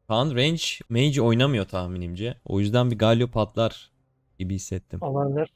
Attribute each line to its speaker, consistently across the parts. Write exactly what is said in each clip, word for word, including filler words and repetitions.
Speaker 1: Kaan range mage oynamıyor tahminimce. O yüzden bir Galio patlar gibi hissettim.
Speaker 2: Olabilir.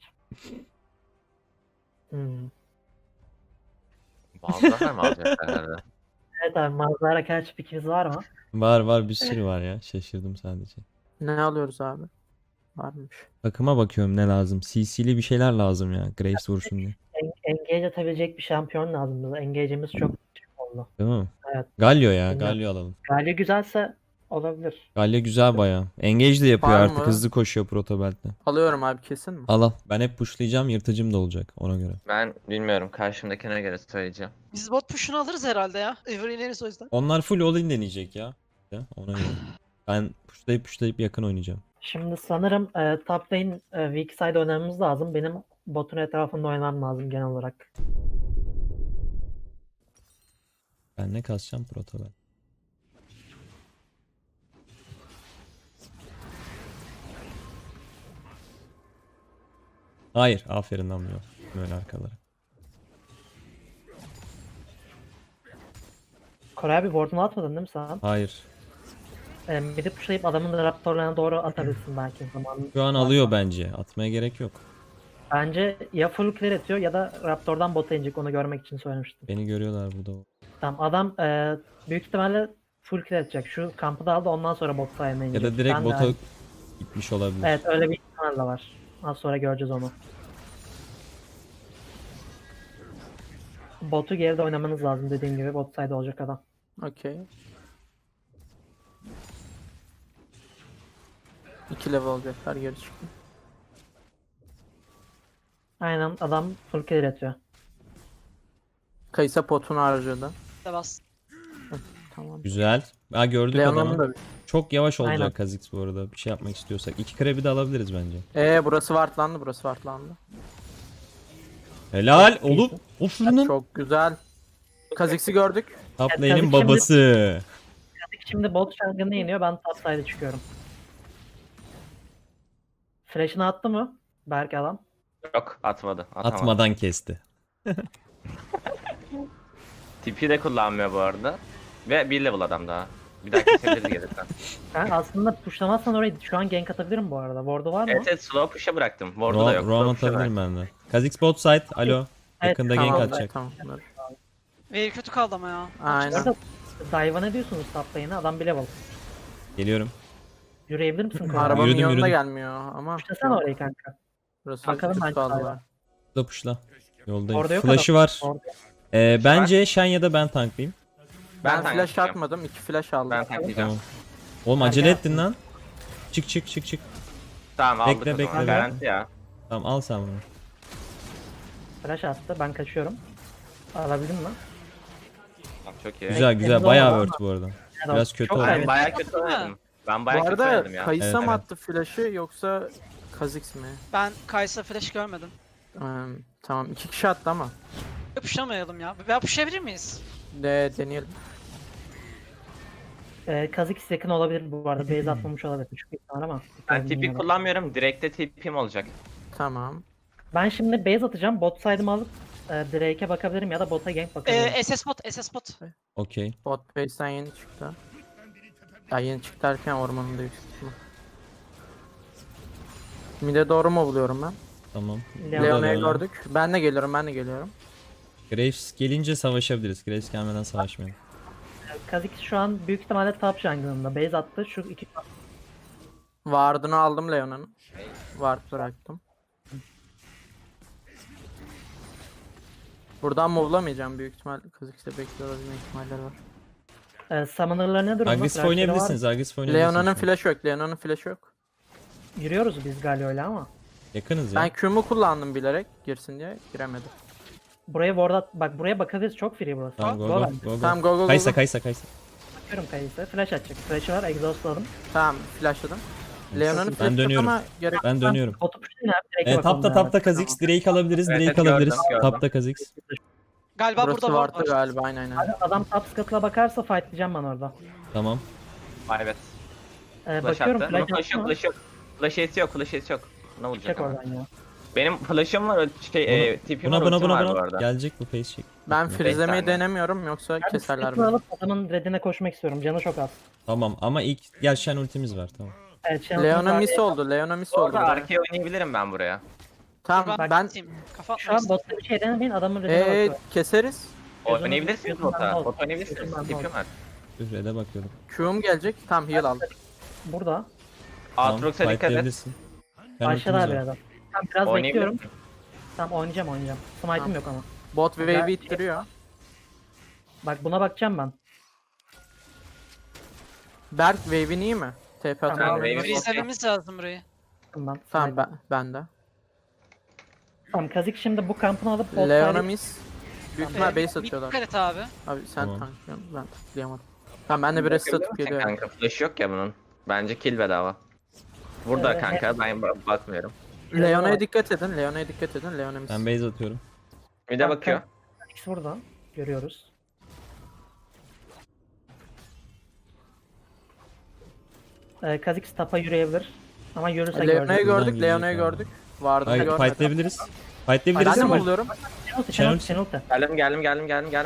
Speaker 2: Hmm.
Speaker 3: Malzahar mı alacak herhalde?
Speaker 2: Evet abi, Mazlara karşı fikriniz var mı?
Speaker 1: Var var bir sürü var ya. Şaşırdım sadece.
Speaker 4: Ne alıyoruz abi? Varmış.
Speaker 1: Takıma bakıyorum ne lazım. C C'li bir şeyler lazım ya. Graves vursun diye.
Speaker 2: En- Engage atabilecek bir şampiyon lazım bize. Engage'imiz çok düşük oldu.
Speaker 1: Değil mi?
Speaker 2: Evet.
Speaker 1: Galio ya.
Speaker 2: Bilmiyorum.
Speaker 1: Galio alalım.
Speaker 2: Galio güzelse olabilir.
Speaker 1: Galio güzel baya. Engage de yapıyor
Speaker 4: Var
Speaker 1: artık.
Speaker 4: mı?
Speaker 1: Hızlı koşuyor protobelt'te.
Speaker 4: Alıyorum abi, kesin mi?
Speaker 1: Al al. Ben hep pushlayacağım. Yırtıcım da olacak ona göre.
Speaker 3: Ben bilmiyorum. Karşımdakine göre söyleyeceğim.
Speaker 5: Biz bot push'unu alırız herhalde ya. Everyleriz o yüzden.
Speaker 1: Onlar full all-in deneyecek ya. Ya, ona göre. Ben pushlayıp pushlayıp yakın oynayacağım.
Speaker 2: Şimdi sanırım e, top lane e, weak side oynamamız lazım. Benim botun etrafında oynamam lazım genel olarak.
Speaker 1: Ben ne kasacağım protobel. Hayır. Aferin anlıyor. Böyle arkalara.
Speaker 2: Koray abi ward'unu atmadın değil mi sen?
Speaker 1: Hayır.
Speaker 2: E, bir de pushlayıp adamın da raptorlarına doğru atabilirsin belki zaman.
Speaker 1: Şu an alıyor bence. Atmaya gerek yok.
Speaker 2: Bence ya full clear atıyor ya da raptordan bota inecek, onu görmek için söylemiştim.
Speaker 1: Beni görüyorlar burada.
Speaker 2: Tamam, adam e, büyük ihtimalle full clear atacak. Şu kampı da aldı, ondan sonra bot sayına
Speaker 1: Ya
Speaker 2: inecek.
Speaker 1: da direkt
Speaker 2: Ben de
Speaker 1: bota
Speaker 2: aynı-
Speaker 1: gitmiş olabilir.
Speaker 2: Evet, öyle bir ihtimal de var. Az sonra göreceğiz onu. Botu geride oynamanız lazım, dediğim gibi bot side olacak adam.
Speaker 4: Okey. İki level olacaklar, geri çıktı.
Speaker 2: Aynen, adam full clear atıyor.
Speaker 4: Kayısa potunu harcadı.
Speaker 5: Bas.
Speaker 4: Tamam.
Speaker 1: Güzel. Ha gördük
Speaker 4: Leona'nın
Speaker 1: adamı.
Speaker 4: da...
Speaker 1: Çok yavaş olacak
Speaker 2: Aynen.
Speaker 1: Kha'Zix bu arada. Bir şey yapmak istiyorsak. İki krebi de alabiliriz bence.
Speaker 4: Eee burası wartlandı, burası wartlandı.
Speaker 1: Helal oğlum. O fırının.
Speaker 4: Çok güzel. Kha'Zix'i gördük.
Speaker 1: Top
Speaker 2: Evet,
Speaker 1: lane'in
Speaker 2: Kha'Zix şimdi-
Speaker 1: babası.
Speaker 2: Şimdi bot jungle'ını yeniyor, ben top side'e çıkıyorum. Flash'ını attı mı Berk adam?
Speaker 3: Yok atmadı. Atamadı.
Speaker 1: Atmadan kesti.
Speaker 3: Tipi de kullanmıyor bu arada. Ve bir level adam daha. Bir daha kesebiliriz gelirsen.
Speaker 2: Ben aslında pushlamazsan orayı şu an gank atabilirim bu arada. Ward'u var mı?
Speaker 3: Evet evet slow push'a bıraktım. Ward'u da yok.
Speaker 1: Roam
Speaker 3: Slow push'a
Speaker 1: atabilirim
Speaker 3: bıraktım.
Speaker 1: ben de. Kha'Zix bot side. Alo.
Speaker 2: Evet,
Speaker 1: Yakında
Speaker 2: tamam,
Speaker 1: gank
Speaker 2: evet.
Speaker 1: atacak.
Speaker 4: Tamam. bunlar.
Speaker 5: Ve kötü kaldı ama ya.
Speaker 2: Bu
Speaker 4: Aynen.
Speaker 2: arada dive'a ne diyorsunuz top lane'e? Adam bir level.
Speaker 1: Geliyorum.
Speaker 2: Yürüyebilir misin Koray?
Speaker 4: Araba
Speaker 1: Yürüdüm,
Speaker 4: minyonuna
Speaker 1: yürüdüm.
Speaker 4: gelmiyor ama.
Speaker 2: Pushlasana orayı kanka.
Speaker 4: Burası
Speaker 2: Bakalım
Speaker 4: kötü
Speaker 2: bence
Speaker 4: kaldı
Speaker 2: dive'a.
Speaker 4: var.
Speaker 1: Puşla puşla. Yoldayım.
Speaker 2: Orada yok
Speaker 1: Flash'ı
Speaker 2: adam.
Speaker 1: var.
Speaker 2: Orada.
Speaker 1: Ee, bence Shen ya da ben tanklayayım.
Speaker 4: Ben,
Speaker 3: Ben
Speaker 4: flash
Speaker 3: tanklayacağım.
Speaker 4: atmadım, iki flash aldım.
Speaker 3: Ben tanklayacağım.
Speaker 1: Tamam. Oğlum acele
Speaker 2: Erken
Speaker 1: ettin lan. Çık çık çık çık.
Speaker 3: Tamam aldık
Speaker 1: Bekle,
Speaker 3: o zaman.
Speaker 1: bekle,
Speaker 3: Garanti ya.
Speaker 1: Tamam al sen bunu.
Speaker 2: Flash attı, ben kaçıyorum. Alabildin mi?
Speaker 3: Tamam, çok iyi.
Speaker 1: Güzel güzel.
Speaker 2: Temiz
Speaker 1: Bayağı
Speaker 2: oldu
Speaker 1: word bu arada.
Speaker 2: Evet,
Speaker 1: Biraz kötü
Speaker 2: çok
Speaker 1: oldu.
Speaker 3: Ben
Speaker 2: kaybettim.
Speaker 3: bayağı kötü
Speaker 5: Değil mi?
Speaker 3: oynadım. Ben
Speaker 4: Bu
Speaker 3: bayağı kötü
Speaker 4: arada
Speaker 3: oynadım ya.
Speaker 4: Kayısa
Speaker 1: Evet,
Speaker 4: mı
Speaker 1: evet.
Speaker 4: attı flash'ı yoksa Kha'Zix mi?
Speaker 5: Ben Kaysa flash görmedim.
Speaker 4: Ee, tamam, iki kişi attı ama.
Speaker 5: Ya pushlamayalım ya. Veya pushlayabilir miyiz?
Speaker 4: De deneyelim.
Speaker 2: Ee, Kha'Zix yakın olabilir bu arada. Base atmamış olabilir. Küçük bir ihtimal ama.
Speaker 3: Ben tipi kullanmıyorum. Direkte tipim olacak.
Speaker 4: Tamam.
Speaker 2: Ben şimdi base atacağım. Bot side'ımı alıp e, Drake'e bakabilirim ya da bota gank bakabilirim.
Speaker 5: Ee, S S bot, S S bot.
Speaker 1: Okey.
Speaker 4: Bot base'den yeni çıktı. Ya yeni çıktı derken ormanında yüksek ihtimal. Mid'e doğru mu buluyorum ben?
Speaker 1: Tamam.
Speaker 2: Leon-
Speaker 4: Leona'yı
Speaker 1: Leona.
Speaker 4: gördük. Ben de geliyorum, ben de geliyorum.
Speaker 1: Graves gelince savaşabiliriz. Graves gelmeden savaşmayalım.
Speaker 2: Kha'Zix şu an büyük ihtimalle top jungle'ında. Base attı. Şu iki
Speaker 4: Ward'unu aldım Leona'nın. Ward bıraktım. Buradan move'lamayacağım büyük ihtimal. Kha'Zix'te bekliyor olabilme ihtimalleri var.
Speaker 2: e, summoner'lar ne durumda?
Speaker 1: Agresif
Speaker 2: Flash'ları var.
Speaker 1: oynayabilirsiniz. Agresif oynayabilirsiniz.
Speaker 4: Leona'nın
Speaker 1: şu an.
Speaker 4: flash'ı yok, Leona'nın flash'ı yok.
Speaker 2: Yürüyoruz biz Galio'yla ama.
Speaker 1: Yakınız ya.
Speaker 4: Ben Q'mu kullandım bilerek girsin diye, giremedi.
Speaker 2: Buraya ward at. Bak buraya bakabiliriz. Çok free burası.
Speaker 1: Tamam go
Speaker 2: Go
Speaker 1: go
Speaker 2: ben.
Speaker 1: go go.
Speaker 4: Tamam, go, go, go,
Speaker 1: Kaysa
Speaker 4: go.
Speaker 1: kaysa kaysa.
Speaker 2: Bakıyorum Kayıs'a. Flash atacak. Flash'ı var. Exhaust'ladım.
Speaker 4: Tamam, flashladım. Leona'nın
Speaker 1: Ben
Speaker 4: flash'ı yok
Speaker 1: dönüyorum.
Speaker 4: ama gerek.
Speaker 1: Ben dönüyorum.
Speaker 2: Botu pushlayın abi. Drake'e
Speaker 1: Ee,
Speaker 2: bakalım.
Speaker 1: tapta
Speaker 2: beraber.
Speaker 1: tapta Kha'Zix. Drake alabiliriz.
Speaker 3: Evet,
Speaker 1: Drake
Speaker 3: evet, gördüm,
Speaker 1: alabiliriz.
Speaker 3: gördüm.
Speaker 1: Tapta Kha'Zix.
Speaker 5: Galiba
Speaker 4: Burası
Speaker 5: burada var.
Speaker 4: Ward'da galiba, aynen aynen.
Speaker 2: Abi adam top scuttle'a bakarsa fightlayacağım ben orada.
Speaker 1: Tamam.
Speaker 3: Evet.
Speaker 2: Ee,
Speaker 3: Flash
Speaker 2: bakıyorum
Speaker 3: attı.
Speaker 2: flash
Speaker 3: Bunun flash
Speaker 2: attı
Speaker 3: yok,
Speaker 2: mı?
Speaker 3: flash yok. Flash eti yok, flash eti yok. Ne olacak
Speaker 2: Çek
Speaker 3: ama?
Speaker 2: oradan ya.
Speaker 3: Benim flash'ım var, şey, e, tipim
Speaker 1: Buna
Speaker 3: var,
Speaker 1: buna
Speaker 3: ultim
Speaker 1: buna
Speaker 3: var bu
Speaker 1: buna.
Speaker 3: arada.
Speaker 1: Gelecek bu face check.
Speaker 4: Ben
Speaker 1: Bekle.
Speaker 4: freezelemeyi
Speaker 3: saniye.
Speaker 4: denemiyorum yoksa
Speaker 2: Ben
Speaker 4: keserler
Speaker 2: sıkıntı
Speaker 4: beni.
Speaker 2: alıp adamın redine koşmak istiyorum. Canı çok az.
Speaker 1: Tamam ama ilk gel Shen ultimiz var tamam.
Speaker 2: Evet, Shen
Speaker 4: Leona
Speaker 2: ultimiz
Speaker 4: miss
Speaker 2: var.
Speaker 4: oldu. Leona miss
Speaker 3: Bu
Speaker 4: oldu.
Speaker 3: arada
Speaker 4: buraya.
Speaker 3: arkaya oynayabilirim ben buraya.
Speaker 4: Tamam
Speaker 5: ben,
Speaker 4: ben
Speaker 5: gideyim. Kafa
Speaker 2: Şu an
Speaker 5: atmayız.
Speaker 2: botta bir şey denemeyin, adamın redine
Speaker 4: ee,
Speaker 2: bakıyorum.
Speaker 4: keseriz.
Speaker 2: Gözünü-
Speaker 3: Oynayabilirsiniz
Speaker 2: gözünden
Speaker 3: bota.
Speaker 2: bol.
Speaker 3: Bot oynayabilirsiniz.
Speaker 2: Gözünden
Speaker 3: Tipim
Speaker 2: bol.
Speaker 3: var.
Speaker 1: Ührede bakıyorum.
Speaker 4: Q'um gelecek. Tam heal aldım.
Speaker 2: Burada.
Speaker 3: Aatrox'a dikkat et.
Speaker 1: fightlayabilirsin. Shen
Speaker 2: Aşağıda
Speaker 1: ultimiz
Speaker 2: bir
Speaker 1: var.
Speaker 2: adam. Tamam, biraz
Speaker 3: Oynayabilir
Speaker 2: bekliyorum.
Speaker 3: misin?
Speaker 2: Tamam, oynayacağım oynayacağım. Smite'im
Speaker 4: Tamam.
Speaker 2: yok ama.
Speaker 4: Bot wave'i ittiriyor.
Speaker 2: Bak buna bakacağım ben.
Speaker 4: Berk wave'in iyi mi? T P
Speaker 2: Tamam,
Speaker 4: atalım.
Speaker 3: wave'in
Speaker 4: Tamam,
Speaker 3: iyi.
Speaker 5: Freezelememiz lazım burayı.
Speaker 2: Ben.
Speaker 4: tamam ben, ben de.
Speaker 2: Tamam, Kazik şimdi bu kampını alıp bot
Speaker 4: Leona
Speaker 2: side-
Speaker 4: miss. Büyük
Speaker 2: Tamam.
Speaker 4: ihtimal
Speaker 5: Ee,
Speaker 4: base
Speaker 5: bir
Speaker 4: atıyorlar.
Speaker 5: Dikkat et abi.
Speaker 4: Abi sen
Speaker 1: Tamam.
Speaker 4: tanklıyorsun. Ben tıklayamadım. Tamam ben de bir rest atıp
Speaker 3: Bakabilir misin
Speaker 4: geliyorum.
Speaker 3: kanka? Flash yok ya bunun. Bence kill bedava. Burada
Speaker 2: Evet,
Speaker 3: kanka, ben ba- bakmıyorum.
Speaker 4: Leona'ya dikkat edin. Leona'ya dikkat edin. Leona miss.
Speaker 1: Ben base atıyorum.
Speaker 3: Bir de
Speaker 2: Bak,
Speaker 3: bakıyor.
Speaker 2: Kazik burada. Görüyoruz. Ee, Kazik tapa yürüyebilir. Ama yürürse
Speaker 4: Leona'yı
Speaker 2: göreceğiz.
Speaker 1: Buradan
Speaker 4: gördük.
Speaker 1: gidecek
Speaker 4: Leona'yı
Speaker 1: abi.
Speaker 4: gördük. Vardı
Speaker 1: Hayır
Speaker 4: görmedim.
Speaker 1: fightlayabiliriz.
Speaker 4: Ben
Speaker 1: Fightlayabiliriz
Speaker 4: de mi
Speaker 1: ama
Speaker 4: buluyorum?
Speaker 2: Şenolti,
Speaker 1: Şenol-
Speaker 2: Şenolti, Şenolti.
Speaker 3: Geldim geldim geldim geldim geldim.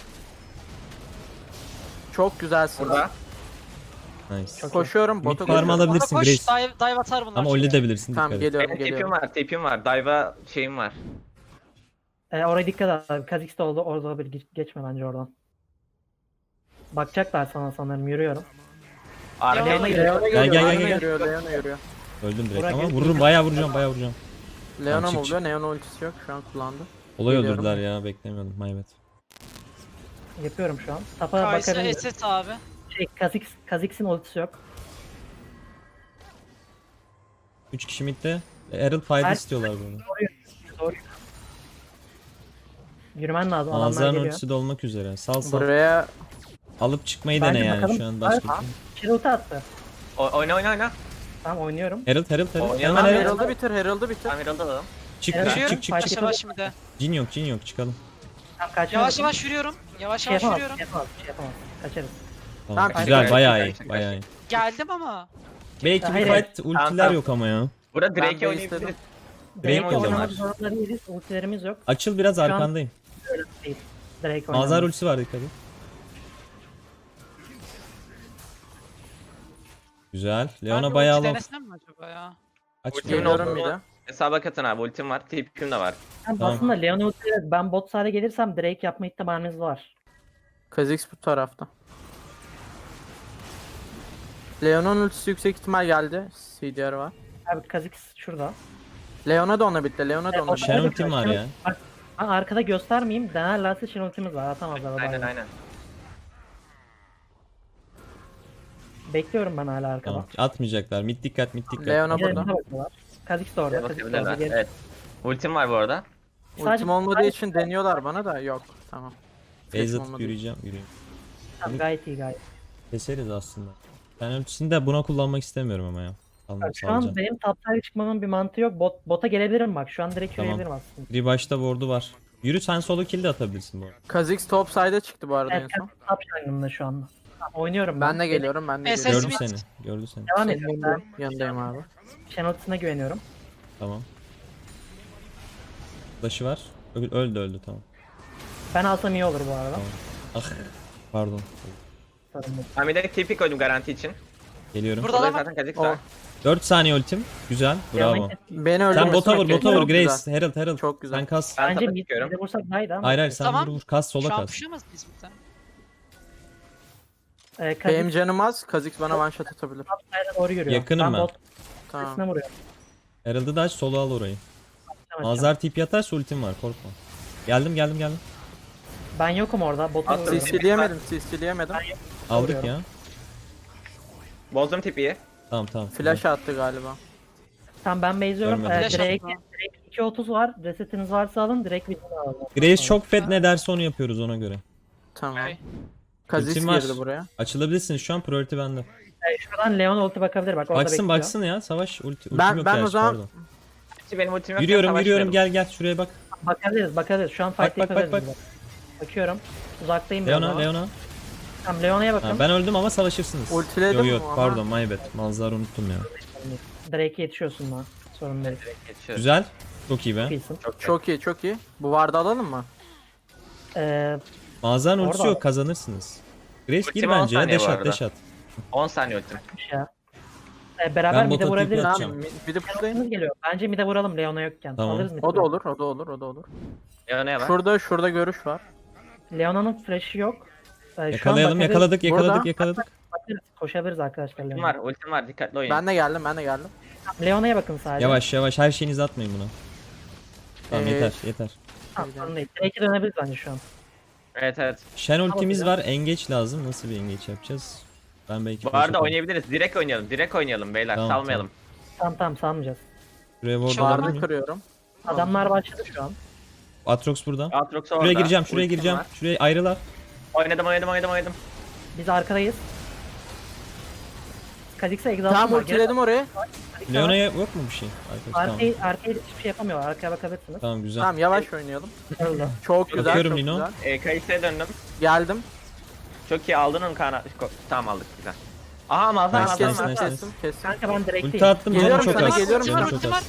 Speaker 4: Çok güzelsin.
Speaker 3: Burada.
Speaker 1: nice.
Speaker 2: Çok
Speaker 4: Koşuyorum.
Speaker 1: Mid
Speaker 4: Bota
Speaker 1: farm
Speaker 4: koşuyorum.
Speaker 1: alabilirsin
Speaker 5: Bota koş,
Speaker 1: Grace.
Speaker 5: dive, dive atar bunlar.
Speaker 1: Ama öyle de bilirsin
Speaker 4: Tamam
Speaker 1: dikkat et.
Speaker 4: geliyorum
Speaker 3: Benim tipim
Speaker 4: geliyorum.
Speaker 3: var, tipim var. Dive'a şeyim var.
Speaker 2: Ee, oraya dikkat et abi. Kazik de oldu. Orada bir geç- geçme bence oradan. Bakacaklar sana sanırım. Yürüyorum.
Speaker 3: Arkaya
Speaker 5: Leona
Speaker 3: geliyor.
Speaker 4: Leona
Speaker 1: Gel,
Speaker 4: geliyor.
Speaker 1: gel, gel,
Speaker 4: Leona
Speaker 1: gel.
Speaker 4: yürüyor. Leona yürüyor.
Speaker 1: Öldüm direkt
Speaker 2: Burak
Speaker 1: ama
Speaker 2: gel-
Speaker 1: vururum bayağı vuracağım bayağı vuracağım.
Speaker 4: Leona
Speaker 1: Tamam,
Speaker 4: mı
Speaker 1: çık,
Speaker 4: oluyor? Leona ultisi yok. Şu an kullandı.
Speaker 1: Olay
Speaker 4: Geliyorum.
Speaker 1: öldürdüler ya beklemiyordum my bad.
Speaker 2: Yapıyorum şu an. Tapa
Speaker 5: Kaysa
Speaker 2: bakabilirim.
Speaker 5: S S abi.
Speaker 2: Şey, Kazik, Kazik'sin ultisi yok.
Speaker 1: üç kişi midde. Herald fayda
Speaker 2: Her-
Speaker 1: istiyorlar bunu.
Speaker 2: Doğru. Yürümen lazım. Adamlar
Speaker 1: Manzaranın
Speaker 2: geliyor.
Speaker 1: ultisi de olmak üzere. Sal sal.
Speaker 4: Buraya
Speaker 1: Alıp çıkmayı
Speaker 2: Bence
Speaker 1: dene yani
Speaker 2: bakalım.
Speaker 1: şu an başka.
Speaker 2: Hayır. Şenolti attı.
Speaker 3: O- Oyna oyna oyna.
Speaker 2: Tamam, oynuyorum.
Speaker 1: Herald Herald Herald.
Speaker 3: Oynayalım.
Speaker 1: Hemen
Speaker 4: Tamam,
Speaker 1: Herald.
Speaker 4: Herald'ı bitir. Herald'ı bitir.
Speaker 3: Tamam, Herald'ı alalım.
Speaker 1: Çık
Speaker 2: Herald
Speaker 1: çık
Speaker 2: yürüyorum.
Speaker 1: çık çık çık.
Speaker 2: Fight
Speaker 5: Yavaş yavaş şimdi de.
Speaker 1: Cin yok cin yok çıkalım.
Speaker 2: Tamam, kaçmadım.
Speaker 5: Yavaş yavaş yürüyorum. Yavaş
Speaker 2: Şey
Speaker 5: yavaş
Speaker 2: yapamaz,
Speaker 5: yürüyorum.
Speaker 2: şey yapamaz, şey yapamaz. Kaçarız.
Speaker 1: Tamam,
Speaker 4: Tamam,
Speaker 1: güzel
Speaker 3: kaç-
Speaker 1: bayağı
Speaker 3: kaç-
Speaker 1: iyi
Speaker 3: kaç-
Speaker 1: bayağı iyi.
Speaker 5: Geldim ama.
Speaker 1: Belki bir
Speaker 2: Hayır.
Speaker 1: fight ultiler
Speaker 3: Tamam, tamam.
Speaker 1: yok ama ya.
Speaker 3: Burada
Speaker 4: Ben
Speaker 3: Drake'e
Speaker 4: de
Speaker 3: oynayabiliriz.
Speaker 4: istedim.
Speaker 2: Drake'le
Speaker 1: oynayalım
Speaker 2: oynamak
Speaker 3: abi.
Speaker 2: zorunda değiliz. Ultilerimiz yok.
Speaker 1: Açıl biraz
Speaker 2: an-
Speaker 1: arkandayım.
Speaker 2: Değil. Drake
Speaker 1: Mazhar
Speaker 2: oynamak.
Speaker 1: ultisi var dikkat et. Güzel.
Speaker 5: Ben
Speaker 1: Leona
Speaker 5: bir
Speaker 1: bayağı
Speaker 5: ulti
Speaker 1: low.
Speaker 5: denesem mi acaba ya?
Speaker 1: Aç
Speaker 3: Ulti
Speaker 1: Leona.
Speaker 4: Geliyorum
Speaker 3: oldu
Speaker 4: bir
Speaker 3: mu?
Speaker 4: de.
Speaker 3: Hesaba katın abi, ultim var, tipim de var.
Speaker 2: Ben
Speaker 1: Tamam.
Speaker 2: aslında Leon ultiyle ben bot side'e gelirsem Drake yapma ihtimalimiz var.
Speaker 4: Kha'Zix bu tarafta. Leona'nın ultisi yüksek ihtimal geldi. C D R var.
Speaker 2: Abi Kha'Zix şurada.
Speaker 4: Leona da ona bitti. Leona da
Speaker 2: Evet,
Speaker 4: ona
Speaker 2: o
Speaker 4: bitti.
Speaker 1: Shen ultim var ya.
Speaker 2: Bak, ben arkada göstermeyeyim. Denerlerse Shen ultimiz var. Atamazlar.
Speaker 3: Aynen
Speaker 2: adamlar.
Speaker 3: aynen.
Speaker 2: Bekliyorum ben hala arkada.
Speaker 1: Tamam. Atmayacaklar. Mid dikkat mid dikkat.
Speaker 4: Leona
Speaker 2: Diğerine
Speaker 4: burada.
Speaker 2: bakıyorlar. Kha'Zix de orada. Kha'Zix de orada.
Speaker 3: Bakabilirler.
Speaker 2: Geri-
Speaker 3: Evet. Ultim var bu arada.
Speaker 2: Sadece-
Speaker 4: Ultim olmadığı
Speaker 2: sadece-
Speaker 4: için deniyorlar bana da yok. Tamam.
Speaker 1: Base
Speaker 4: Flash'im
Speaker 1: atıp
Speaker 4: olmadı.
Speaker 1: yürüyeceğim. Yürüyeyim.
Speaker 2: Tamam, gayet iyi gayet.
Speaker 1: Keseriz aslında. Ben ultisini de buna kullanmak istemiyorum ama ya. Almak
Speaker 2: Bak, şu an
Speaker 1: salacağım.
Speaker 2: benim top side'e çıkmamın bir mantığı yok. Bot, bota gelebilirim bak. Şu an direkt
Speaker 1: Tamam.
Speaker 2: yürüyebilirim aslında.
Speaker 1: Bir başta ward'u var. Yürü sen solo kill de atabilirsin bu arada.
Speaker 4: Kha'Zix top side'e çıktı bu arada
Speaker 2: Evet,
Speaker 4: en son.
Speaker 2: top jungle'ında şu anda. Tamam, oynuyorum ben.
Speaker 4: Ben de geliyorum ben de
Speaker 5: Evet,
Speaker 4: geliyorum.
Speaker 1: Gördü
Speaker 5: Mid.
Speaker 1: seni. Gördü seni.
Speaker 2: Devam
Speaker 4: Senin
Speaker 2: ediyorum. Ben
Speaker 4: yanındayım, yanındayım abi.
Speaker 2: Shen ultisine güveniyorum.
Speaker 1: Tamam. Flash'ı var. Öl- Öldü öldü tamam.
Speaker 2: Ben alsam iyi olur bu arada.
Speaker 1: Tamam. Ah. Pardon.
Speaker 2: Sorun değil.
Speaker 3: Ben bir de tipi koydum garanti için.
Speaker 1: Geliyorum.
Speaker 5: Burada
Speaker 3: Burada
Speaker 5: da var.
Speaker 3: zaten Kha'Zix
Speaker 4: O.
Speaker 3: var.
Speaker 1: dört saniye ultim. Güzel. Bravo.
Speaker 2: Leon'un-
Speaker 4: Beni
Speaker 1: Sen
Speaker 4: öldürmesin.
Speaker 1: bota vur, bota vur
Speaker 4: Çok güzel.
Speaker 1: Grace. Herald, Herald.
Speaker 4: Çok güzel.
Speaker 1: Sen kas.
Speaker 3: Ben
Speaker 2: Bence
Speaker 3: tapa
Speaker 2: mid
Speaker 3: çıkıyorum.
Speaker 2: mid'e vursak daha iyiydi ama.
Speaker 1: Hayır hayır sen
Speaker 5: Tamam.
Speaker 1: vur vur. Kas sola
Speaker 5: Şu an
Speaker 1: kas.
Speaker 5: puşamaz mıyız bir tane?
Speaker 2: Ee,
Speaker 4: Benim
Speaker 2: Kha'Zix
Speaker 4: canım az. Kha'Zix bana one shot atabilir.
Speaker 2: top side'e doğru yürüyor.
Speaker 1: Yakınım ben.
Speaker 2: bot
Speaker 4: Tamam.
Speaker 2: sesine vuruyorum.
Speaker 1: Herald'ı da aç solo al orayı.
Speaker 2: Tamam,
Speaker 1: Mazhar tip yatarsa ultim var korkma. Geldim geldim geldim.
Speaker 2: Ben yokum orada. Botu
Speaker 3: Attım.
Speaker 2: vuruyorum.
Speaker 4: CC'leyemedim. CC'leyemedim.
Speaker 1: Aldık
Speaker 2: Vuruyorum.
Speaker 1: ya.
Speaker 3: Bozdum tipiyi.
Speaker 1: Tamam tamam.
Speaker 4: Flash attı galiba.
Speaker 2: Tamam, ben base'liyorum.
Speaker 1: Görmedim.
Speaker 2: Ee,
Speaker 5: Flash
Speaker 2: Drake,
Speaker 5: atma.
Speaker 2: Drake iki otuz var. Resetiniz varsa alın. Direkt bir alalım.
Speaker 1: Grace çok fed ne derse onu yapıyoruz ona göre.
Speaker 4: Tamam.
Speaker 5: Okay.
Speaker 4: Kha'Zix
Speaker 1: Ultim var.
Speaker 4: girdi buraya.
Speaker 1: Açılabilirsiniz şu an priority bende.
Speaker 2: Ee, şuradan Leon ulti bakabilir. Bak orada
Speaker 1: Baksın
Speaker 2: bekliyor.
Speaker 1: baksın ya savaş ulti, ultim
Speaker 4: Ben-
Speaker 1: yok
Speaker 4: ben o
Speaker 1: gerçi,
Speaker 4: zaman-
Speaker 1: pardon.
Speaker 3: Benim ultim yok.
Speaker 1: Yürüyorum
Speaker 3: ben
Speaker 1: yürüyorum
Speaker 3: savaşmıyorum.
Speaker 1: gel gel şuraya bak.
Speaker 2: Bakabiliriz bakabiliriz. Şu an
Speaker 1: Bak,
Speaker 2: fight
Speaker 1: bak, bak,
Speaker 2: yapabiliriz.
Speaker 1: bak.
Speaker 2: biz. Bakıyorum. Uzaktayım biraz
Speaker 1: Leona
Speaker 2: ama.
Speaker 1: Leona.
Speaker 2: Tamam, Leona'ya bakın.
Speaker 1: Ha, ben öldüm ama savaşırsınız.
Speaker 4: Ultiledim
Speaker 1: Yok yok
Speaker 4: ama-
Speaker 1: pardon my bad. Manzarı unuttum ya.
Speaker 2: Drake'e yetişiyorsun lan. Sorun değil.
Speaker 3: Geçiyoruz.
Speaker 1: Güzel. Çok iyi be.
Speaker 2: iyisin.
Speaker 3: Çok çok.
Speaker 4: Çok iyi çok iyi. Bu vardı alalım mı?
Speaker 2: Ee,
Speaker 1: Mağazanın ultisi
Speaker 2: Orada.
Speaker 1: yok, kazanırsınız. Grace gir
Speaker 3: Ultim on
Speaker 1: bence ya,
Speaker 3: saniye
Speaker 1: dash
Speaker 3: bu
Speaker 1: at
Speaker 3: arada.
Speaker 1: dash at.
Speaker 3: on saniye ultim.
Speaker 2: bir şey ya. Ee, beraber
Speaker 1: Ben
Speaker 2: mid'e
Speaker 1: bota
Speaker 2: vurabiliriz.
Speaker 1: TP
Speaker 4: Tamam
Speaker 1: atacağım.
Speaker 4: bir de pushlayın.
Speaker 2: Leona'mız geliyor. Bence mid'e vuralım Leona yokken.
Speaker 1: Tamam.
Speaker 2: Alırız mid'e.
Speaker 4: O da olur o da olur o da olur.
Speaker 3: Leona'ya bak.
Speaker 4: Şurada şurada görüş var.
Speaker 2: Leona'nın flash'ı yok. Ee, şu an
Speaker 1: Yakalayalım,
Speaker 2: bakarız.
Speaker 1: yakaladık, yakaladık,
Speaker 4: Burada.
Speaker 1: yakaladık.
Speaker 2: Bakarız, koşabiliriz arkadaşlar.
Speaker 3: Ultim
Speaker 2: Leona'ya.
Speaker 3: var, ultim var. Dikkatli oyun.
Speaker 4: Ben de geldim ben de geldim.
Speaker 2: Leona'ya bakın sadece.
Speaker 1: Yavaş yavaş, her şeyinizi atmayın buna. Tamam
Speaker 4: Ee,
Speaker 1: yeter, yeter.
Speaker 2: Tamam, sorun değil. Drake'e dönebiliriz bence şu an.
Speaker 3: Evet evet.
Speaker 1: Shen ultimiz
Speaker 2: Tamam,
Speaker 1: var, engage lazım. Nasıl bir engage yapacağız? Ben belki
Speaker 3: Bu
Speaker 1: flash
Speaker 3: arada
Speaker 1: atarım.
Speaker 3: oynayabiliriz. Direkt oynayalım. Direkt oynayalım beyler.
Speaker 1: Tamam,
Speaker 3: Salmayalım.
Speaker 2: Tamam tamam salmayacağız.
Speaker 1: Şuraya ward
Speaker 5: Şu an-
Speaker 1: alalım
Speaker 4: Vardı
Speaker 1: mı?
Speaker 4: kırıyorum.
Speaker 2: Adamlar başladı şu an.
Speaker 1: Atrox burada.
Speaker 3: Aatrox orada.
Speaker 1: Şuraya gireceğim, şuraya
Speaker 3: Ultim
Speaker 1: gireceğim.
Speaker 3: var.
Speaker 1: Şuraya ayrılar.
Speaker 3: Oynadım oynadım oynadım oynadım.
Speaker 2: Biz arkadayız. Kha'Zix'e exhaust'um
Speaker 4: Tamam
Speaker 2: var.
Speaker 4: ultiledim oraya.
Speaker 2: Kha'Zix'e
Speaker 1: Leona'ya yok mu bir şey? Arkadaş, tamam.
Speaker 2: Arkayı, arkayı hiçbir şey yapamıyor. Arkaya bakabilirsiniz.
Speaker 1: Tamam güzel.
Speaker 4: Tamam yavaş oynayalım.
Speaker 2: Öyle.
Speaker 4: Çok güzel
Speaker 1: Bakıyorum
Speaker 4: çok
Speaker 1: Lino.
Speaker 4: güzel.
Speaker 3: E, Kayısı'ya döndüm.
Speaker 4: Geldim.
Speaker 3: Çok iyi aldın onu kana. Ko- Tamam aldık güzel. Aha mazhar
Speaker 1: Nice,
Speaker 3: mazhar
Speaker 1: nice,
Speaker 3: mazhar.
Speaker 1: nice.
Speaker 4: Kestim kestim.
Speaker 2: Kanka ben direkteyim.
Speaker 1: Ulti attım, canım
Speaker 4: Geliyorum
Speaker 1: çok
Speaker 4: sana,
Speaker 1: az.
Speaker 4: geliyorum
Speaker 1: Canım
Speaker 4: sana.
Speaker 1: çok
Speaker 5: Ultim var.
Speaker 1: az.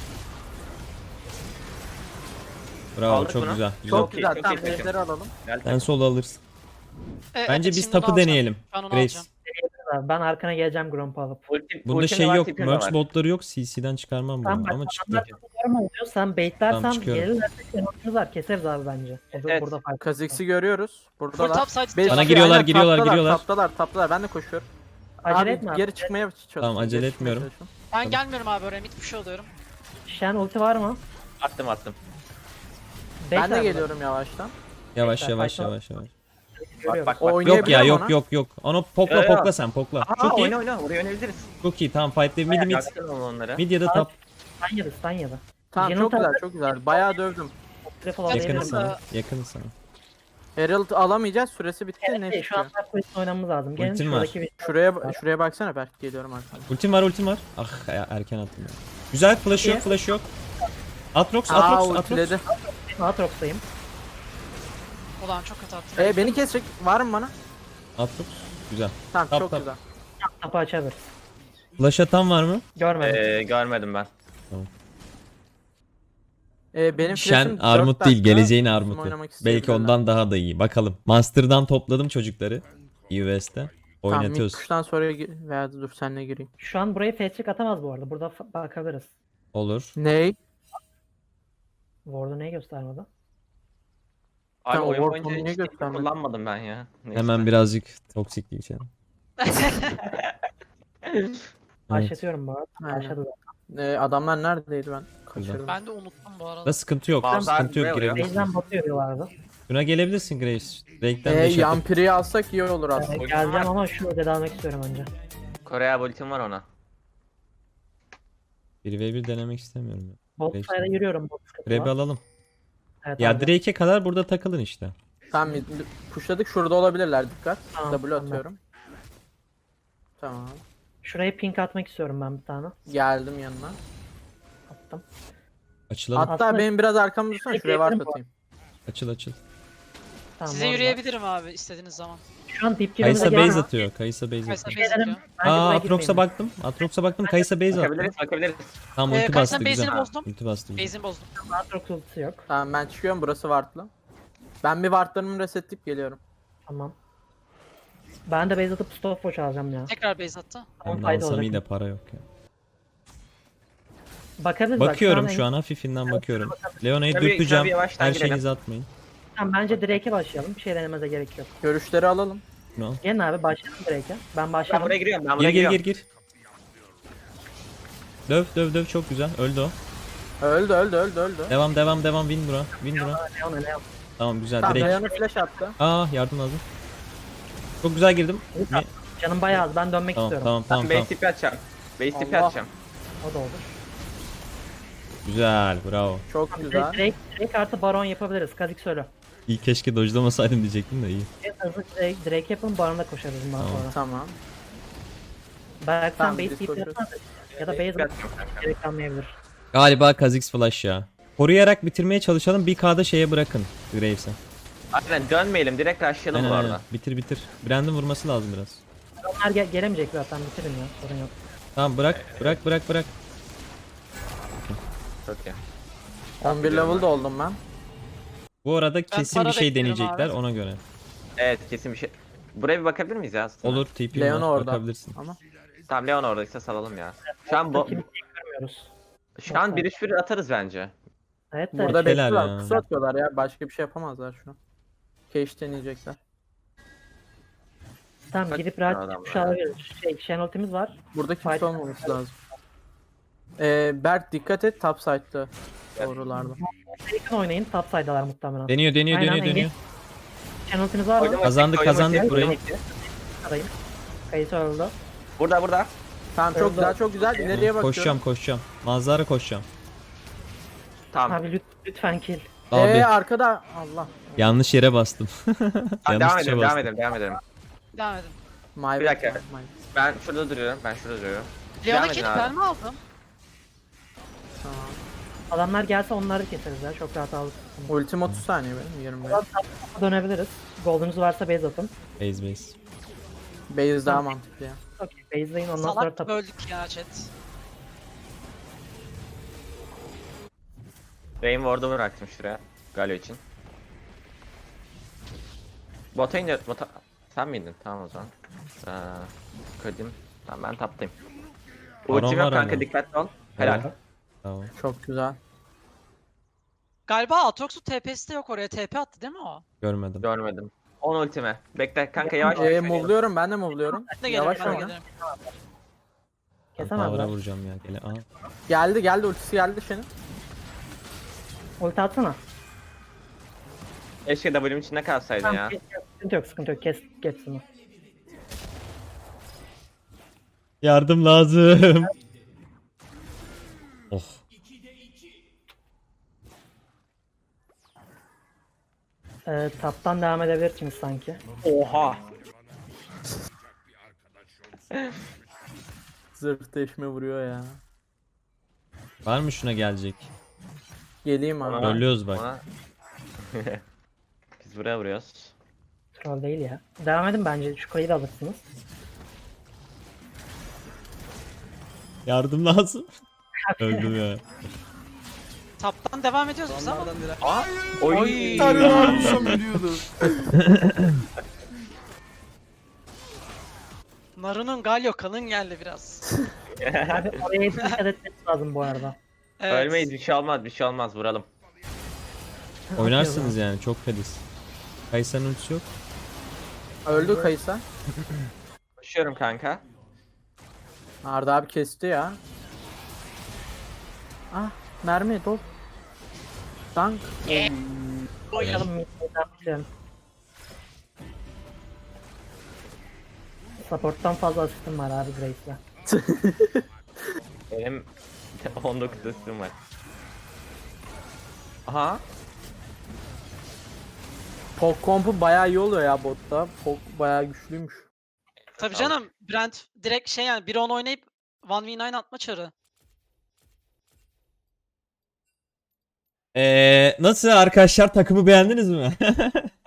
Speaker 1: Bravo,
Speaker 3: Aldık
Speaker 1: çok
Speaker 3: bunu.
Speaker 1: güzel. Güzel.
Speaker 4: Çok
Speaker 3: iyi,
Speaker 4: güzel.
Speaker 3: çok
Speaker 4: Tamam
Speaker 3: iyi takım.
Speaker 4: ejderi alalım.
Speaker 3: Gel.
Speaker 1: Sen solo alırsın.
Speaker 5: E,
Speaker 1: Bence
Speaker 5: evet,
Speaker 1: biz
Speaker 5: şimdi
Speaker 1: tapı
Speaker 5: onu alacağım.
Speaker 1: deneyelim.
Speaker 5: Ben onu
Speaker 1: Grace.
Speaker 5: alacağım.
Speaker 2: Abi, ben arkana geleceğim Gromp alıp.
Speaker 3: Ultim,
Speaker 1: Bunda
Speaker 3: ultim de
Speaker 1: şey
Speaker 3: var,
Speaker 1: yok.
Speaker 3: tipim de
Speaker 1: Merch
Speaker 3: var.
Speaker 1: botları yok. C C'den çıkarmam
Speaker 2: Tamam
Speaker 1: bunu
Speaker 2: bak
Speaker 1: ama çıktı.
Speaker 2: adamlar forma oluyor. Sen baitlersen
Speaker 1: Tamam, çıkıyorum.
Speaker 2: gelirlerse şenolumuz var. Keseriz abi bence. Burada,
Speaker 3: Evet.
Speaker 2: burada fark.
Speaker 4: Kha'Zix'i görüyoruz.
Speaker 5: Full
Speaker 4: Buradalar.
Speaker 5: top side.
Speaker 4: Beş
Speaker 1: Bana
Speaker 4: kişi,
Speaker 1: giriyorlar,
Speaker 4: aynen,
Speaker 1: giriyorlar,
Speaker 4: taptalar,
Speaker 1: giriyorlar.
Speaker 4: Taptalar taptalar ben de koşuyorum.
Speaker 2: Acele
Speaker 4: Abi,
Speaker 2: etme abi.
Speaker 4: geri çıkmaya çalışıyorum.
Speaker 1: Tamam, acele
Speaker 4: Geri çıkmaya
Speaker 1: etmiyorum.
Speaker 4: çalışıyorum.
Speaker 5: Ben gelmiyorum abi oraya. Mid push oluyorum.
Speaker 2: Shen ulti var mı?
Speaker 3: Attım attım.
Speaker 4: Ben
Speaker 2: Bekle
Speaker 4: de
Speaker 2: abi.
Speaker 4: geliyorum yavaştan.
Speaker 1: Yavaş
Speaker 2: Bekle,
Speaker 1: yavaş
Speaker 2: fayda-
Speaker 1: yavaş yavaş.
Speaker 2: Görüyorum.
Speaker 3: Bak bak
Speaker 4: O
Speaker 3: bak.
Speaker 4: oynuyor.
Speaker 1: Yok ya,
Speaker 4: Oynayabilirim
Speaker 1: yok
Speaker 4: ona.
Speaker 1: yok yok. Onu pokla
Speaker 3: Yo, yo.
Speaker 1: pokla sen pokla.
Speaker 3: Aha,
Speaker 1: Çok iyi.
Speaker 3: oyna oyna oraya oynayabiliriz.
Speaker 1: Çok iyi. Tamam fight mid mid.
Speaker 3: Yaksın onları.
Speaker 1: Mid ya da
Speaker 2: Abi,
Speaker 1: top.
Speaker 2: Stun yedi stun yedi.
Speaker 4: Tamam
Speaker 2: Yeni
Speaker 4: çok güzel
Speaker 2: tarafta-
Speaker 4: çok güzel. Bayağı dövdüm.
Speaker 2: Triple
Speaker 5: Yakın
Speaker 1: Yakınız
Speaker 2: alabilirim.
Speaker 5: Yakınız
Speaker 1: sana. Yakınız sana.
Speaker 4: Herald alamayacağız. Süresi bitti. Ne
Speaker 2: Evet, şu an
Speaker 4: çıkıyor?
Speaker 2: top quest oynamamız lazım. Gelin
Speaker 1: Ultim var.
Speaker 2: şuradaki bir...
Speaker 4: Şuraya şuraya baksana Berk geliyorum arkadan.
Speaker 1: Ultim var, ultim var. Ah ya, erken attım ya. Güzel, flash yok,
Speaker 2: İyi.
Speaker 1: flash yok. Atrox,
Speaker 4: Aa
Speaker 1: Atrox, Atrox.
Speaker 4: ultiledi.
Speaker 2: Aatrox'tayım.
Speaker 5: Ulan çok kötü attım.
Speaker 4: E beni kesecek. Var mı bana?
Speaker 1: Atrox. Güzel.
Speaker 4: Tamam
Speaker 1: Tap,
Speaker 4: çok
Speaker 1: tap.
Speaker 4: güzel.
Speaker 2: Tapı açabiliriz.
Speaker 1: Flash atan var mı?
Speaker 2: Görmedim.
Speaker 3: Ee, görmedim ben.
Speaker 4: E benim
Speaker 1: Şen
Speaker 4: flash'im
Speaker 1: armut
Speaker 4: dört
Speaker 1: değil,
Speaker 4: dakika.
Speaker 1: geleceğin
Speaker 4: Bizim
Speaker 1: armutu.
Speaker 4: oynamak
Speaker 1: Belki
Speaker 4: isteyebilirler.
Speaker 1: ondan daha da iyi. Bakalım. Master'dan topladım çocukları. U S'te.
Speaker 4: Tamam
Speaker 1: Oynatıyoruz.
Speaker 4: mid push'tan sonra gi- veya dur senle gireyim.
Speaker 2: Şu an buraya fetchik atamaz bu arada. Burada fa- bakabiliriz.
Speaker 1: Olur.
Speaker 4: Ney?
Speaker 2: Ward'u neyi göstermedi?
Speaker 3: Abi
Speaker 4: Tamam,
Speaker 3: oyun
Speaker 4: Warp'u
Speaker 3: boyunca
Speaker 4: niye
Speaker 3: hiç
Speaker 4: göstermedin?
Speaker 3: kullanmadım ben ya. Neyse.
Speaker 1: Hemen birazcık toksik geçelim. Evet.
Speaker 2: Başlatıyorum bu arada.
Speaker 4: Aynen.
Speaker 2: Başladı da.
Speaker 4: E, adamlar neredeydi ben? Kaçırdım.
Speaker 5: Ben de unuttum bu arada.
Speaker 1: Da sıkıntı yok.
Speaker 3: Bazılar
Speaker 1: Sıkıntı yok,
Speaker 3: buraya
Speaker 1: girebilirsin.
Speaker 2: Base'den batıyor diyorlardı.
Speaker 1: Şuna gelebilirsin Grace. Drake'den
Speaker 4: E,
Speaker 1: beş atıp.
Speaker 4: Yampiri'yi alsak iyi olur aslında.
Speaker 2: Ee, geleceğim ama şu ödedi almak istiyorum önce.
Speaker 3: Kore'ye ultim var ona.
Speaker 1: bir ve bir denemek istemiyorum. ya.
Speaker 2: Bot
Speaker 1: Beş
Speaker 2: side'a
Speaker 1: tane.
Speaker 2: yürüyorum. Bot sıkıntı
Speaker 1: Grab'i
Speaker 2: var.
Speaker 1: alalım.
Speaker 2: Evet,
Speaker 1: Ya
Speaker 2: abi.
Speaker 1: Drake'e kadar burada takılın işte.
Speaker 4: Tamam mid, pushladık şurada olabilirler dikkat.
Speaker 2: Tamam,
Speaker 4: W
Speaker 2: tamam.
Speaker 4: atıyorum. Tamam.
Speaker 2: Şuraya pink atmak istiyorum ben bir tane.
Speaker 4: Geldim yanına.
Speaker 2: Attım.
Speaker 1: Açılalım.
Speaker 4: Hatta
Speaker 2: Aslında-
Speaker 4: benim biraz arkamda dursana şuraya var
Speaker 2: Bekleyebilirim bu
Speaker 4: atayım.
Speaker 1: Açıl açıl.
Speaker 2: Tamam,
Speaker 5: Size
Speaker 2: orada.
Speaker 5: yürüyebilirim abi istediğiniz zaman.
Speaker 2: Şu an dip girmemize
Speaker 1: Kaysa
Speaker 2: gerek
Speaker 1: base
Speaker 2: yok.
Speaker 1: atıyor. Kaysa base
Speaker 5: Kaysa
Speaker 1: atıyor.
Speaker 5: base atıyor.
Speaker 2: Bence
Speaker 1: Aa
Speaker 2: buraya
Speaker 1: Atrox'a
Speaker 2: girmeyelim.
Speaker 1: baktım. Atrox'a baktım. Kaysa base attı.
Speaker 3: Bakabiliriz bakabiliriz.
Speaker 1: Tamam
Speaker 5: Ee,
Speaker 1: ulti
Speaker 5: Kaysa'nın
Speaker 1: bastı
Speaker 5: base'ini
Speaker 1: güzel.
Speaker 5: bozdum.
Speaker 1: Ulti bastı güzel.
Speaker 5: Base'ini bozdum.
Speaker 2: Aatrox ultisi yok.
Speaker 4: Tamam ben çıkıyorum burası wardlı. Ben bir wardlarımı resetleyip geliyorum.
Speaker 2: Tamam. Ben de base atıp stopwatch alacağım ya.
Speaker 5: Tekrar base attı.
Speaker 2: Ama
Speaker 1: Ben de
Speaker 2: fayda
Speaker 1: alsam iyi
Speaker 2: olacak.
Speaker 1: de para yok ya.
Speaker 2: Bakabiliriz bak,
Speaker 1: Bakıyorum
Speaker 2: şu
Speaker 1: şu
Speaker 2: an.
Speaker 1: an hafifinden bakıyorum. Leona'yı
Speaker 3: Tabii,
Speaker 1: dürteceğim.
Speaker 3: tabii, yavaştan
Speaker 1: Her
Speaker 3: girelim.
Speaker 1: şeyinizi atmayın.
Speaker 2: Tamam, bence Drake'e başlayalım. Bir şey denememize gerek yok.
Speaker 4: Görüşleri alalım.
Speaker 1: No.
Speaker 2: Gelin abi başlayalım Drake'e. Ben
Speaker 3: Ben
Speaker 2: başladım.
Speaker 3: buraya giriyorum ben buraya
Speaker 1: Gir gir
Speaker 3: giriyorum.
Speaker 1: gir gir. Döv döv döv çok güzel. Öldü o.
Speaker 4: Öldü öldü öldü öldü.
Speaker 1: Devam devam devam win bura. Win bura.
Speaker 2: Leon, Leon.
Speaker 1: Tamam güzel
Speaker 4: Tamam
Speaker 1: direkt.
Speaker 4: Dayan'a flash attı.
Speaker 1: Aa yardım lazım. Çok güzel girdim. Ne?
Speaker 2: Canım bayağı az. Ben dönmek
Speaker 1: Tamam
Speaker 2: istiyorum.
Speaker 1: tamam
Speaker 3: Ben
Speaker 1: tamam
Speaker 3: base
Speaker 1: tamam.
Speaker 3: tipi atacağım. Base tipi
Speaker 4: Allah.
Speaker 3: atacağım.
Speaker 2: O da olur.
Speaker 1: Güzel bravo.
Speaker 4: Çok
Speaker 2: Tamam,
Speaker 4: güzel.
Speaker 2: Drake, Drake artı Baron yapabiliriz. Kazik söyle.
Speaker 1: İyi keşke dojlamasaydım diyecektim de iyi.
Speaker 2: En hızlı Drake, Drake yapın, Baron'da koşarız bundan
Speaker 1: Tamam.
Speaker 2: sonra.
Speaker 4: Tamam.
Speaker 2: Belki sen
Speaker 4: Tamam,
Speaker 2: base
Speaker 4: biz
Speaker 2: tip
Speaker 4: koşuyoruz.
Speaker 2: yapsana. Ya da base
Speaker 3: Tipi
Speaker 2: atıp
Speaker 3: atacağım kanka.
Speaker 2: gerek kalmayabilir.
Speaker 1: Galiba Kha'Zix flash ya. Koruyarak bitirmeye çalışalım. bir K'da şeye bırakın Graves'e.
Speaker 3: Aynen dönmeyelim direkt rushlayalım
Speaker 1: Aynen
Speaker 3: bu
Speaker 1: aynen.
Speaker 3: arada.
Speaker 1: Bitir bitir. Brandon vurması lazım biraz.
Speaker 2: Onlar gel gelemeyecek zaten, bitirin ya. Sorun yok.
Speaker 1: Tamam bırak bırak bırak bırak.
Speaker 3: Çok iyi.
Speaker 4: on bir level'da oldum ben.
Speaker 1: Bu arada kesin bir
Speaker 5: para
Speaker 1: şey
Speaker 5: bekliyorum
Speaker 1: deneyecekler
Speaker 5: abi.
Speaker 1: ona göre.
Speaker 3: Evet kesin bir şey. Buraya bir bakabilir miyiz ya aslında?
Speaker 1: Olur T P
Speaker 4: Leon
Speaker 1: var
Speaker 4: orada.
Speaker 1: bakabilirsin.
Speaker 4: Ama
Speaker 3: Tamam Leon oradaysa salalım ya. Şu an bu
Speaker 2: Kimseyi görmüyoruz.
Speaker 3: şu an bir üç bir atarız bence.
Speaker 2: Evet de
Speaker 4: burada
Speaker 1: Şeyler
Speaker 4: bekliyorlar.
Speaker 1: ya.
Speaker 4: Pusu atıyorlar ya. Başka bir şey yapamazlar şu an. Cage deneyecekler.
Speaker 2: tamam
Speaker 3: Kaç
Speaker 2: gidip
Speaker 3: tane
Speaker 2: rahat
Speaker 3: adam
Speaker 2: bir
Speaker 3: var
Speaker 2: şey
Speaker 3: ya?
Speaker 2: alabiliriz. Şey, Shen ultimiz var.
Speaker 4: Burada kimse
Speaker 2: Fight-
Speaker 4: olmaması lazım. Ee, Berk dikkat et top side'da. Doğrularda.
Speaker 2: Yakın oynayın. Top side'dalar muhtemelen.
Speaker 1: Deniyor deniyor
Speaker 2: Aynen,
Speaker 1: deniyor
Speaker 2: engage.
Speaker 1: deniyor.
Speaker 2: Shen ultimiz var mı?
Speaker 3: Oynamak-
Speaker 1: Kazandık,
Speaker 3: oynamak-
Speaker 1: kazandık
Speaker 3: oynamak-
Speaker 1: burayı.
Speaker 3: oynamak-
Speaker 2: Arayın. Kayısı öldü.
Speaker 3: Burada burada.
Speaker 4: Tamam çok
Speaker 2: Orada-
Speaker 4: güzel çok güzel. İleriye bakıyorum.
Speaker 1: Koşacağım koşacağım. Manzara koşacağım.
Speaker 3: Tamam.
Speaker 2: Abi lüt- lütfen kill.
Speaker 1: Abi
Speaker 4: Ee arkada Allah.
Speaker 1: yanlış yere bastım.
Speaker 3: Tamam,
Speaker 1: yanlış
Speaker 3: devam
Speaker 1: tuşa
Speaker 3: edelim, devam
Speaker 1: bastım.
Speaker 3: edelim, devam edelim.
Speaker 5: Devam edin.
Speaker 4: My
Speaker 3: Bir
Speaker 4: bad,
Speaker 3: dakika.
Speaker 4: my bad.
Speaker 3: Ben şurada duruyorum, ben şurada duruyorum. Devam
Speaker 5: Leon'a
Speaker 3: edin
Speaker 5: kilip
Speaker 3: abi.
Speaker 5: ben mi aldım?
Speaker 4: Tamam.
Speaker 2: Adamlar gelse onları keseriz ya. Çok rahat aldık.
Speaker 4: Ultim otuz saniye benim yirmi beş.
Speaker 2: Dönebiliriz. Golden'unuz varsa base atın.
Speaker 1: Base base.
Speaker 4: Base daha mantıklı ya.
Speaker 2: Okey. Base'leyin ondan sonra
Speaker 5: Salak
Speaker 2: tap.
Speaker 5: gibi öldük ya chat.
Speaker 3: Rain Ward'u bıraktım şuraya. Galio için. Bota indi, bota... Sen miydin? Tamam o zaman. Ee, Kadim. Tamam ben taptayım.
Speaker 1: Baron
Speaker 3: Ultim
Speaker 1: var
Speaker 3: yok kanka
Speaker 1: ama.
Speaker 3: dikkatli ol. Helal.
Speaker 1: Tamam. Tamam.
Speaker 4: Çok güzel.
Speaker 5: Galiba Aatrox'un T P'si de yok oraya. T P attı değil mi o?
Speaker 1: Görmedim.
Speaker 3: Görmedim. on ultime. Bekle kanka yavaş.
Speaker 4: Ee,
Speaker 3: yavaş.
Speaker 4: move'luyorum ben de move'luyorum.
Speaker 5: Ben de gelirim,
Speaker 4: Yavaş
Speaker 5: ben de
Speaker 4: oyna.
Speaker 5: gelirim.
Speaker 1: Ben
Speaker 2: Kesemezler.
Speaker 1: power'a vuracağım ya. Gele. Aha.
Speaker 4: Geldi geldi ultisi geldi senin.
Speaker 2: Ulti atsana.
Speaker 3: Keşke W'm içinde kalsaydın
Speaker 2: Tamam,
Speaker 3: ya.
Speaker 2: kes, kes. Sıkıntı yok sıkıntı yok. Kes hepsini.
Speaker 1: Yardım lazım. Oh.
Speaker 2: Ee, taptan devam edebilirsiniz sanki.
Speaker 3: Oha.
Speaker 4: Zırh deşme vuruyor ya.
Speaker 1: Var mı şuna gelecek?
Speaker 4: Geleyim abi.
Speaker 3: Ona-
Speaker 1: Trollüyoruz bak.
Speaker 3: ona- Biz buraya vuruyoruz.
Speaker 2: Troll değil ya. Devam edin bence. Şu kayı da alırsınız.
Speaker 1: Yardım lazım. Öldüm ya.
Speaker 5: Taptan devam ediyoruz biz ama.
Speaker 3: Aa! Oy!
Speaker 5: Naru'nun Galio kalın geldi biraz.
Speaker 2: Abi oraya dikkat etmeniz lazım bu arada.
Speaker 5: Evet.
Speaker 3: Ölmeyiz bir şey olmaz bir şey olmaz vuralım.
Speaker 1: Oynarsınız yani çok fediz. Kaysan'ın ultisi yok.
Speaker 4: Öldü Kaysa.
Speaker 3: Koşuyorum kanka.
Speaker 4: Arda abi kesti ya. Ah mermi dol. Dank.
Speaker 2: Bakalım midden başlayalım. Support'tan fazla asistim var abi Grace'le.
Speaker 3: Benim on dokuz üstüm var. Aha.
Speaker 4: Pok kompu bayağı iyi oluyor ya botta. Pok bayağı güçlüymüş.
Speaker 5: Tabii canım Brent direkt şey yani bir on oynayıp bir v dokuz atma çarı.
Speaker 1: Ee, nasıl arkadaşlar takımı beğendiniz mi?